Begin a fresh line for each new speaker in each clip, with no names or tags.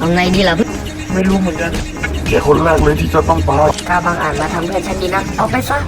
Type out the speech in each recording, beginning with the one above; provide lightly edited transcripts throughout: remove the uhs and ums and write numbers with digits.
เอาไงดีล่ะ
ไม่รู้เหมือนกันแกคนแรกเลยที่จะต้องตาย
ถ้าบางอาจมาทำเพื่อนฉันดีนะเอาไปซะ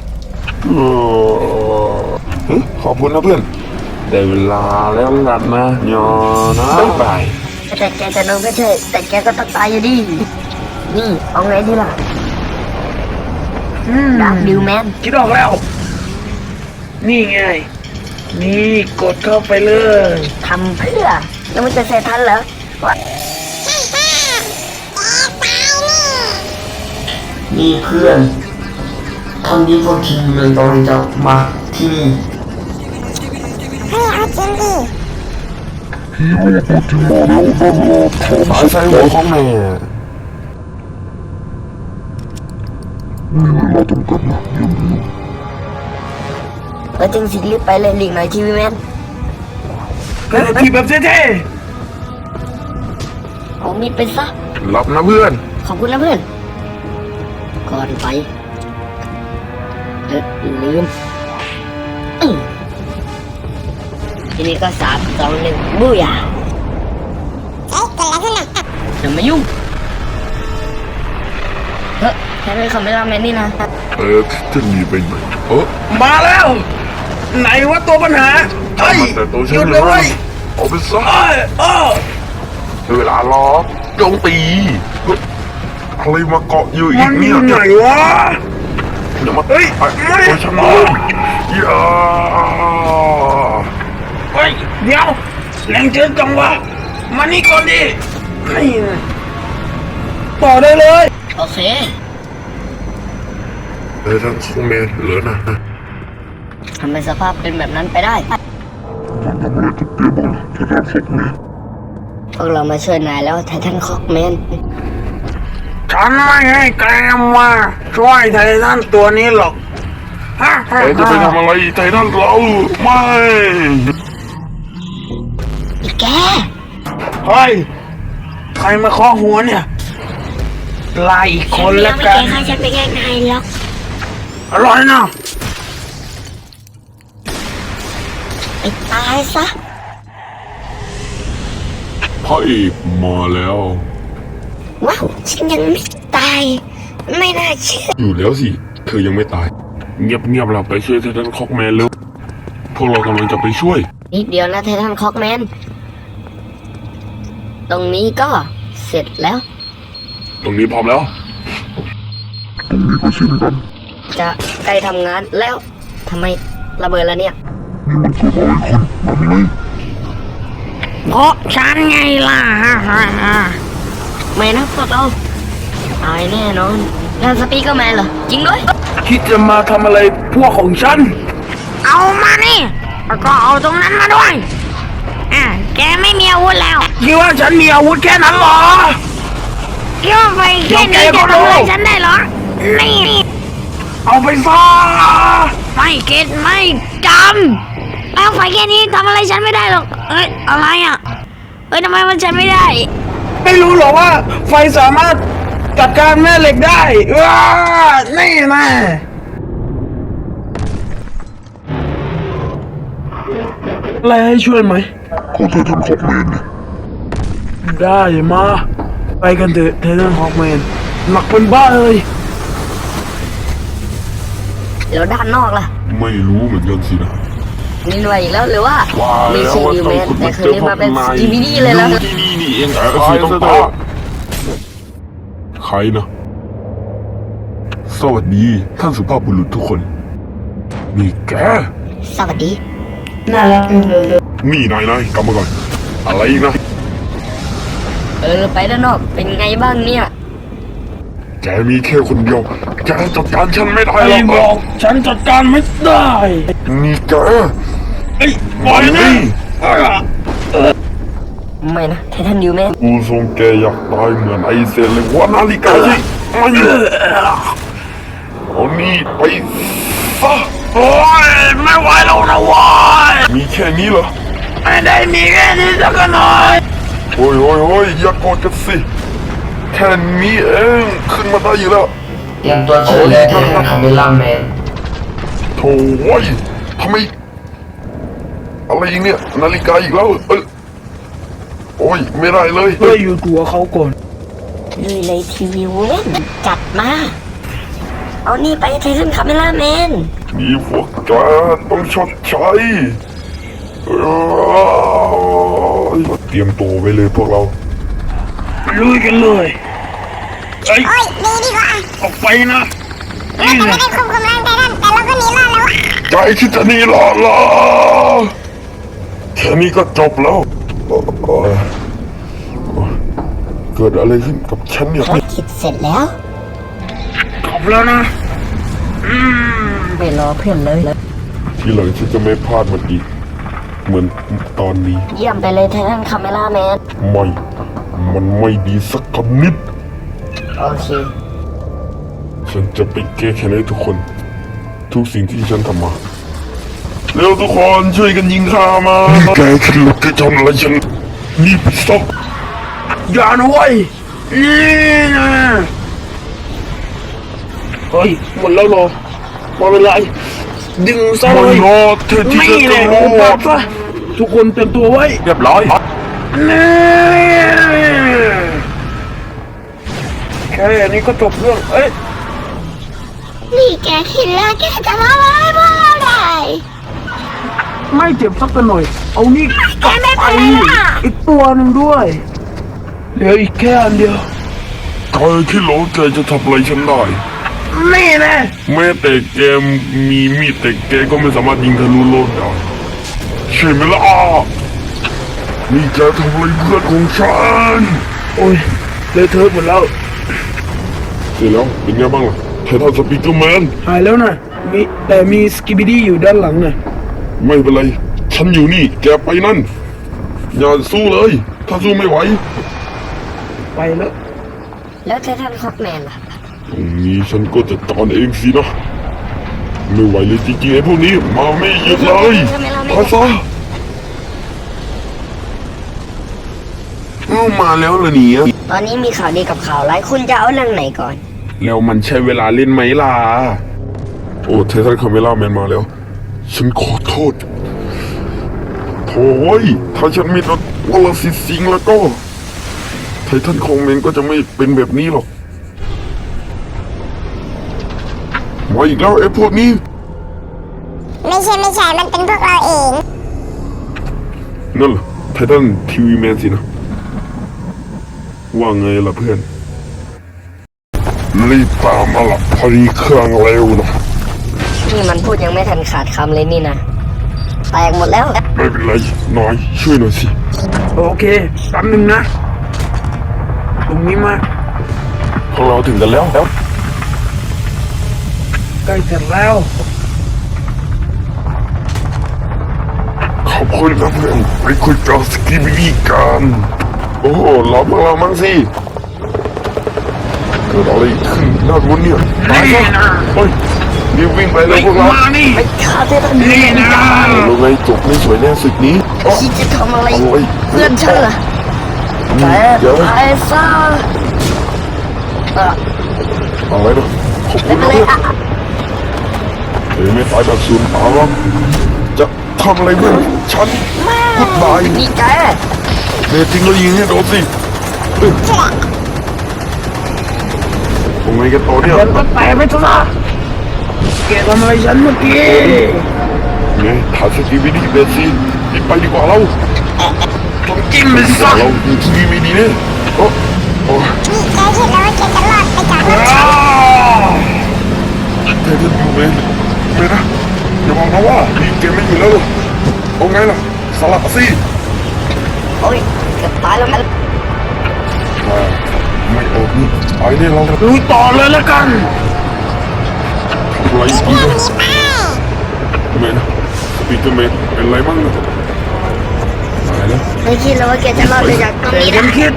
ขอบคุณนะเพื่อนได้เวลาแล้วล่ะนะยอนะบ๊ายบาย
แต่แกจะนอนก็ใช่แต่แกก็ต้องตายอยู่ดีนี่เอาไงดีล่ะดาร์คดิวแมน
คิดออกแล้วนี่ไงนี่กดเข้าไปเลย
ทำเพื่อแล้วมันจะเสร็จทันเหรอ
นี่เพื่อนทำดีพวกทีเลยตอนจะมาที่นี่
ให้เอาจริงดิ
สายใส่หัวของแม่
แล้วจึงสิรีบไปเลยหลีกหน่อยทีวีแมน
ทีแบบเท่
เอามีดไปซะ
ๆรับนะเพื่อน
ขอบคุณนะเพื่อนก่อนไปลืมทีนี้ก็3 2 1บูย่า
เกิดอะไรขึ้นน่ะ
อย่ามายุ่งแค่ไม่คำไม่รับแมนนี่นะ
จะหนีไปไหนมาแล้วไหนวะตัวปัญหาเฮ้ยหยุดเลยเอาไปซะเวลาล้อโจมตีอะไรมาเกาะอยู่อีกเนี่ยมันอยู่ไหนวะอย่ามาเฮ้ยตัวฉันเลยเฮ้ยเดี๋ยวแรงเกินจังวะมานี่ก่อนดินี่ต่อได้เลย
โอเค
ท่านคงเมนเหลือนะ
ทำไมสภาพเป็นแบบนั้นไปได้พวกเรามาช่วยนายแล้วไททันคอกแมน
ฉันไม่ให้แกมาช่วยไททันตัวนี้หรอกแกจะไปทำอะไรไททันเราไม่
แก
เฮ้ยใครมาเคาะหัวเนี่ยไล่อีกคนแล้วกัน
ไม่ฉันไปแกล้งนายหรอก
อร่อยนะ
ไปตายซะ
พ่อเอกมาแล้ว
ว้าวฉันยังไม่ตายไม่น่าเชื่อ
อยู่แล้วสิเธอยังไม่ตายเงียบเราไปช่วยไททันคอกแมนแล้วพวกเรากำลังจะไปช่วย
นิดเดียวนะไททันคอกแมนตรงนี้ก็เสร็จแล้ว
ตรงนี้พร้อมแล้วตรงนี้ก็เช่นกัน
จะใกล้ทำงานแล้วทำไมระเบิดแล้วเนี่ย
นี่มันเกิดอะไรขึ้นแบบนี้
เพราะฉันไงล่ะไม่นะพวกเราตายแน่นอนแล้วสปีกเกอร์แมนเหรอจริงด้วย
คิดจะมาทำอะไรพวกของฉัน
เอามานี่แล้วก็เอาตรงนั้นมาด้วยแกไม่มีอาวุธแล้ว
คิดว่าฉันมีอาวุธแค่นั้นเหรอ
คิดว่าไปแค่นี้จะทำอะไรฉันได้เหรอนี่
เอาไปซะ
ไม่เก็ตไม่จำเอาไฟแค่นี้ทำอะไรฉันไม่ได้หรอกอะไรทำไมมันฉันไม่ได้
ไม่รู้หรอว่าไฟสามารถจัดการแม่เหล็กได้นี่นะอะไรให้ช่วยไหมขอไททันฮอกแมนได้มาไปกันเถอะไททันฮอกแมนหนักเป็นบ้าเลย
แล้วด้านนอกล่ะ
ไม่รู้เหมือนกันสินะ
มีหน่วยอีกแล้วหรือว่าไม่ใช่ดิวแมนแต่คืนนี้มาเป็นดีวีดีเลยแล้ว
ที่นี่เองใครต้องตาใครนะสวัสดีท่านสุภาพบุรุษทุกคนนี่แก
สวัสดีน่ารัก
นี่นายกลับมาก่อนอะไรอีกนะ
ไปด้านนอกเป็นไงบ้างเนี่ย
แกมีแค่คนเดียวแกจัดการฉันไม่ได้หรอกบอกฉันจัดการไม่ได้นี่แกปล่อยนี่
ไม่นะไททันดิวแมน
กูทรงแกอยากตายเหมือนไอเซนเลยว่านาฬิกาสิไม่เอานี่ไปซะโอ้ยไม่ไหวแล้วนะวายมีแค่นี้เหรอไม่ได้มีแค่นี้สักหน่อยโอ้ยอย่ากดกันสิแค่นี้เองขึ้นมาได้อยู่แล้ว
เตรียมตัวช่วยเหลือไททันคาเมล่าแมน
โถ่ทำไมอะไรอีกเนี่ยนาฬิกาอีกแล้วโอ้อ้ยไม่ได้เลย
เฮ้ยอยู่ตัวเขาก่อน
ลุยเลยทีวีเว้นจัดมา เอานี่ไปไททันคาเมล่าแมน
นี่พวกแกต้องชดใช้เตรียมตัวไว้เลยพวกเรา
ลุยกันเลยไอ้ย
โอ้ยดีดีกว่า
ออกไปนะ
แต่ไม่ได้ควบคุมร่างไททันแต่เราก็หนีรอดแล้วอะ
ใจคิดจะหนีหรอล่ะแค่นี้ก็จบแล้วเกิดอะไรขึ้นกับฉันเนี่ย
ภารกิจเสร็จแล้ว
จบแล้วนะ
ไม่รอเพื่อนเลย
ทีหลังฉันจะไม่พลาดมันอีก เหมือนตอนนี้
เยี่ยมไปเลยไททันคาเมล่าแมน
ไม่มันไม่ดีสักคำนิด
โอเค
ฉันจะไปแก้แค้นให้ทุกคน ทุกสิ่งที่ฉันทำมาเร็วทุกคนช่วยกันยิงข้ามานี่แกคิดว่าแกทำอะไรฉันนี่ไปซะ
อย่านะเว้ยนี่นะเฮ้ยหมดแล้วเหรอไมาเป็นไรดึงซะเล
ไม่
ย
รอดเธอที่
นี่
จะ
แหละ
รอ
ปั
ด
ดซะทุกคนเตรียมตัวไว้
เรียบร้อย
นี่แค่นี้ก็จบเรื่องเอ้ย
นี่แกคิดแล้วแกจะมาไว้พวกเราได้
ไม่เจ็บสักหน่อย เอานี่
แกไม่เป็นไรล่ะ
อีกตัวหนึ่งด้วยเหลืออีกแค่อันเดียว
ใครที่รู้แกจะทำอะไรฉันได้
นี่แน่
แม้แต่แกมีมีดแต่แกก็ไม่สามารถยิงทะลุโลกได้ใช่ไหมล่ะนี่แกทำอะไรเพื่อนของฉัน
โอ้ยเลยเธอะหมดแล้ว
เสร็จแล้วเป็นไงบ้างล่ะไททันสปีกเกอร์แมน
หายแล้วนะแต่มีสกิบิดี้อยู่ด้านหลังน่ะ
ไม่เป็นไร ฉันอยู่นี่ แกไปนั่น อย่าสู้เลย ถ้าสู้ไม่ไหว
ไปแล้ว
แล้วไททันฮอตแมนล่ะ
ตรงนี้ฉันก็จะตอนเองสินะ ไม่ไหวเลยจริงๆไอ้พวกนี้มาไม่หยุดเลยไปซะมาแล้วเหรอเนี่ย
ตอนนี้มีข่าวดีกับข่าวร้ายคุณจะเอาเรื่องไหนก่อน
แล้วมันใช้เวลาเล่นไหมล่ะ โอ้ไททันคาเมล่าแมนมาแล้ว ฉันขอโทษโถ่เว้ยถ้าฉันมีรถวลสิสิงแล้วก็ ไททันคงเมนก็จะไม่เป็นแบบนี้หรอก มาอีกแล้วไอ้พวกนี้
ไม่ใช่มันเป็นพวกเราเอง
นั่นเหรอไททันทีวีแมนสินะ ว่าไงล่ะเพื่อน รีบตามมาละพอดีเครื่องเร็วนะ
นี่มันพูดยังไม่ทันขาดคำเลยนี่นะ แตกหมดแล้ว
ไม่เป็นไรน้อยช่วยหน่อยสิ
โอเคแป๊บหนึงนะ ตรงนี้มา
พวกเราถึงกันแล้ว
ใกล้เสร็จแล้ว
ขอบคุณนะเพื่อนไปคุยกับสกิบิดี้กันโอ้โหรอพวกเรามั่งสิเกิดอะไรขึ้นด้านบนเนี่ยไปซะเฮ้ยรีบวิ่งไปเลยพวกเรา
มานี่
ไปฆ่าไททัน
นี่นะ
เราไงจบไม่สวยแน่ศึกนี้อ๋อ
คิดจะทำอะไร
โอ้ย
เพื่อนฉันล่ะแต่
เดี๋ยว
ตายซะ
อะไรนะขอบคุ
ไม่
ณ
เป็น
นะ
ไร
เพื่อนเฮ้ยไม่ตายแบบสูญเปล่าหรอกจะทำอะไรเพื่อนฉันกูตาย
นี่แก
เดทจริงแล้วยิงให้โดนสิเอ้ยตรงไหนกันต่อเนี่ย
เดี๋ยวก็แตกไปซะแกทำอะไรฉันเมื่อกี้
ไงถามสกิบิดี้เบสซี่รีบไปดีกว่าเรา
ผมจิ้มมันซะ
เราดูทีวีไม่ดีเนี่ยโอ้โอ้
นี่แกคิดแล้วว่าแกจะรอดไปจากเรา
อ้าว
เธอจะอยู่ไหมไม่นะอย่าบอกนะว่าลีเกมไม่อยู่แล้วเหรอเอาไงล่ะสละสิ
โอ้ยเกือบตายแล้วมัน
ไม่ออกนี่ไอ้เนี่ยเราทำ
ดูต่อเลยแล้วกัน
อะไรอีกนะไม่นะสปีกเกอร์แมนเป็นไรบ้างนะตายแล้ว
ไม่คิดเลยว่าแกจะรอดไปจากตรง
แต่
นี้
ฉั
นะ
นคิด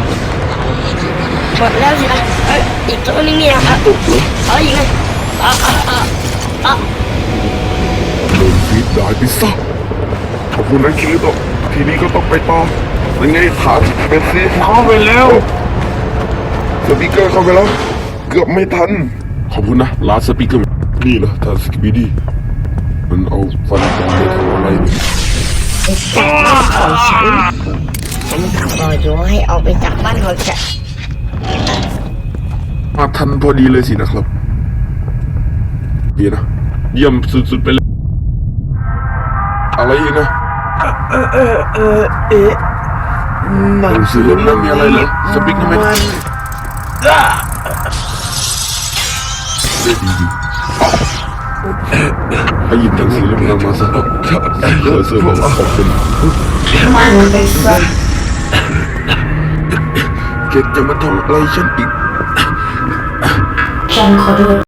หมดแล้วสินะเอ้ยอีกตัวนึงเนี่ยอ่ะเอาอีกเลยอ่ะอ่ะอ่ะอ่ะ
โดนฟีดได้ไปซะขอบคุณนะคิริโตะทีนี้ก็ต้องไปต่อยังไงถามเบสซี่
เข้าไปแล้ว
สปีกเกอร์เข้าไปแล้ว เกือบไม่ทัน ขอบคุณนะลาสปีกเกอร์นี่เหรอทางสกิบิดี้มันเอาฟันกันไปทำอะไรเนี่ย
ของฉัน
โอ้
ผมรออยู่ให้ออกไปจากบ้านของฉัน
มาทันพอดีเลยสินะครับดีนะเยี่ยมสุดๆไปเลยอะไรอีกนะ
หนัง
สือเล่มนั้นมีอะไรเหรอสปิกทำไม
มัน
ได้ดีไปหยิบหนังสือเล่มนั้นมาซะเออเสือบอกขอบคุณ
มันไปซะ
แกจะมาทำอะไรฉันอีก
ฉันขอโทษ